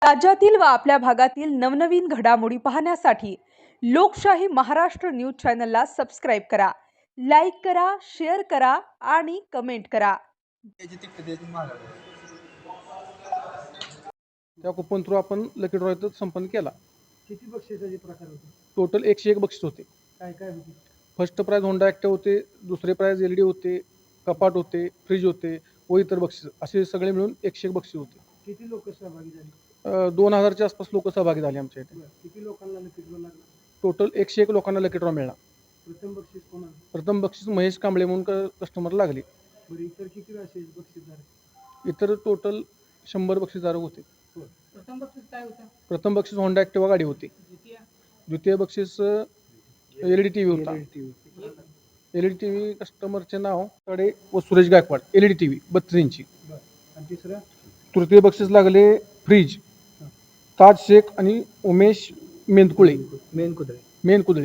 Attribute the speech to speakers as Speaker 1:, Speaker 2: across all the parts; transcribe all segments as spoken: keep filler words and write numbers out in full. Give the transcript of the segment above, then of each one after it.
Speaker 1: राज्यातील व आपल्या भागातील नवनवीन घडामोडी पाहण्यासाठी लोकशाही महाराष्ट्र न्यूज चॅनलला सबस्क्राइब करा, लाईक करा, शेअर करा आणि कमेंट करा.
Speaker 2: त्या कुपन थ्रू आपण लकी ड्रॉ संपन्न केला.
Speaker 3: किती बक्षिसाचे प्रकार होते?
Speaker 2: टोटल एकशे एक बक्षीस होते.
Speaker 3: काय काय होते?
Speaker 2: फर्स्ट प्राइज होंडा ॲक्टिव्ह होते, दुसरे प्राइज एल डी होते, कपाट होते, फ्रीज होते व इतर बक्षीस असे सगळे मिळून एकशे एक बक्षीस होते.
Speaker 3: किती लोक सहभागी झाले?
Speaker 2: दोन हजारच्या आसपास लोक सहभागी झाले आमच्या इथे.
Speaker 3: किती लोकांना लकी ड्रॉ लागला?
Speaker 2: टोटल एकशे एक लोकांना लकी ड्रॉ मिळाला.
Speaker 3: प्रथम बक्षीस कोणाला?
Speaker 2: प्रथम बक्षीस महेश कांबळे म्हणून कस्टमर लागले.
Speaker 3: बरं, इतर किती असे बक्षीस झाले?
Speaker 2: इतर टोटल शंभर बक्षीसदार होते.
Speaker 3: प्रथम बक्षीस काय होतं?
Speaker 2: प्रथम बक्षीस होंडा ॲक्टिव्हा गाडी होती.
Speaker 3: द्वितीय
Speaker 2: द्वितीय बक्षीस L E D T V होता. L E D T V कस्टमरचे नाव कडे व Suresh Gaikwad, L E D T V बत्तीस इंची.
Speaker 3: आणि तिसरं?
Speaker 2: तृतीय बक्षीस लागले फ्रीज ताज शेख आणि उमेश मेंदकुळे
Speaker 3: मेन कुत्रे
Speaker 2: मेन कुदळे.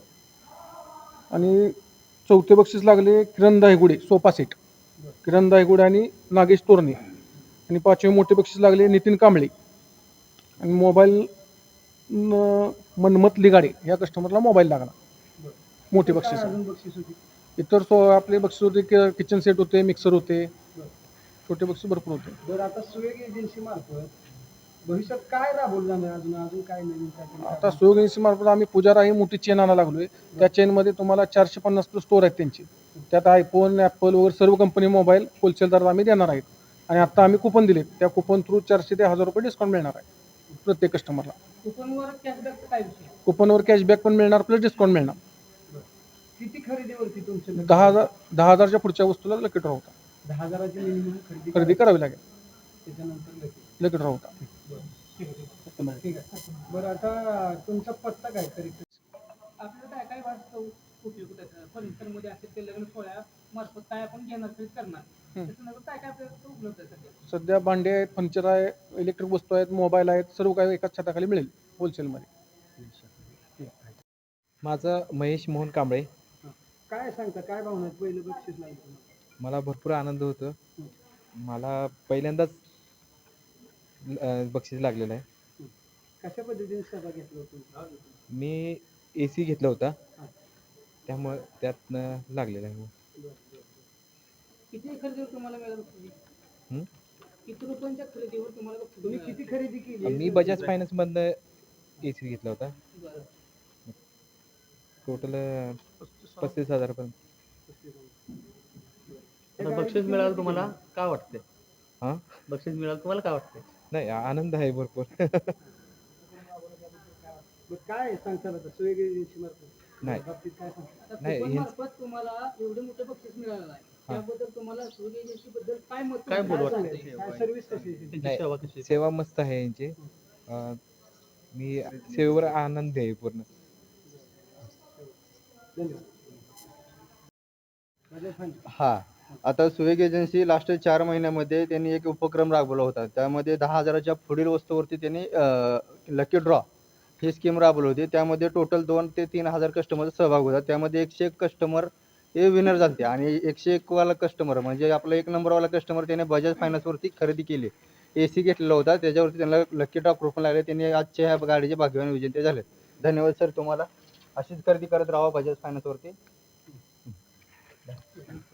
Speaker 2: आणि चौथे बक्षीस लागले किरण दायगुडे सोफा सेट, किरण दायगुडे आणि नागेश तोरणे. आणि पाचवे मोठे बक्षीस लागले नितीन कांबळे आणि मोबाईल मनमत लिगाडे या कस्टमरला मोबाईल लागला. मोठे बक्षीस.
Speaker 3: अजून बक्षीस होती?
Speaker 2: इतर सो आपले बक्षीस होते, किचन सेट होते, मिक्सर होते, छोटे बक्षीस भरपूर होते.
Speaker 3: बरं, आता सुवेग एजन्सी मार्फत भविष्यात काय राबवलं जाणार? अजून अजून काय नवीन काय?
Speaker 2: आता सुयोग एजन्सी मार्फत आम्ही पुजारा ही मोठी चेन आणायला लागलोय. त्या चेनमध्ये तुम्हाला चारशे पन्नास प्लस स्टोर आहेत त्यांचे. त्यात आयफोन, ॲपल वगैरे सर्व कंपनी मोबाईल होलसेल दरात आम्ही देणार आहेत. आणि आता आम्ही कुपन दिले, त्या कुपन थ्रू चारशे ते हजार रुपये डिस्काउंट मिळणार आहे प्रत्येक कस्टमरला.
Speaker 3: कुपनवर कॅशबॅक काय विषय?
Speaker 2: कुपनवर कॅशबॅक पण मिळणार प्लस डिस्काउंट मिळणार.
Speaker 3: किती खरेदीवरती तुमचं?
Speaker 2: दहा हजार दहा हजारच्या पुढच्या वस्तूला लकी ड्रॉ होता.
Speaker 3: दहा हजाराची मिनिमम खरेदी
Speaker 2: खरेदी करावी लागेल.
Speaker 3: त्याच्यानंतर लकी
Speaker 2: लकी ड्रॉ होता.
Speaker 3: ठीक आहे. बरं, आता तुमचा पत्ता काय तरी? आपल्याला काय काय वाटतं उपयोग त्याचा? फर्निचरमध्ये असेल ते लग्न सोहळ्या मार्फत काय आपण घेणार खरेदी करणार, त्याच्यानंतर काय काय आपल्याला उपलब्ध आहे सध्या?
Speaker 2: सध्या भांडे आहेत, फर्निचर आहे, इलेक्ट्रिक वस्तू आहेत, मोबाईल आहेत, सर्व काही एकाच छताखाली मिळेल होलसेलमध्ये.
Speaker 4: माझं महेश मोहन कांबळे.
Speaker 3: काय सांगता, काय भावना आहेत? पहिलं बक्षीस लागलं,
Speaker 4: मला भरपूर आनंद होतो. मला पहिल्यांदाच बक्षीस लागलेलं आहे.
Speaker 3: कशा पद्धतीने सहभाग घेतला होता?
Speaker 4: मी ए सी घेतला होता, त्यामुळे त्यातनं लागलेलं आहे.
Speaker 3: किती खरेदीवर तुम्हाला मिळालं? किती रुपयांच्या खरेदीवर तुम्हाला? तुम्ही किती खरेदी केली?
Speaker 4: मी बजाज फायनान्समधनं ए सी घेतला होता. टोटल पस्तीस हजारपर्यंत.
Speaker 5: बक्षीस मिळालं तुम्हाला काय वाटते?
Speaker 4: हां,
Speaker 5: बक्षीस मिळालं तुम्हाला काय वाटते?
Speaker 4: नाही, आनंद आहे भरपूर.
Speaker 3: काय सांगता आता सुयोग एजन्सी मार्फत
Speaker 4: नाही
Speaker 3: बाबतीत काय सांगता?
Speaker 4: नाही, हे-
Speaker 3: मार्फत तुम्हाला एवढं मोठं बक्षीस मिळालं आहे, त्याबद्दल तुम्हाला सुयोग एजन्सी बद्दल काय मत?
Speaker 5: काय बोलू वाटतं?
Speaker 3: सांगायचं? काय सर्व्हिस कशी आहे?
Speaker 5: त्यांची सेवा कशी आहे?
Speaker 4: सेवा मस्त आहे यांची. अं, मी सेवेवर आनंद आहे पूर्ण.
Speaker 6: हा, आता सुवेग एजन्सी लास्ट चार महिन्यामध्ये त्यांनी एक उपक्रम राबवला होता. त्यामध्ये दहा हजाराच्या पुढील वस्तूवरती त्यांनी लकी ड्रॉ ही स्कीम राबवली होती. त्यामध्ये टोटल दोन ते तीन हजार कस्टमरचा सहभाग होता. त्यामध्ये एकशे एक कस्टमर हे विनर झाले आणि एकशे एक वाला कस्टमर म्हणजे आपला एक नंबरवाला कस्टमर त्याने बजाज फायनान्सवरती खरेदी केली, ए सी घेतलेला होता, त्याच्यावरती त्यांना लकी ड्रॉ कुपन लागले. त्यांनी आजच्या ह्या गाडीचे भाग्यवान विजेते झाले. धन्यवाद सर तुम्हाला. अशीच खरेदी करत राहा बजाज फायनान्सवरती.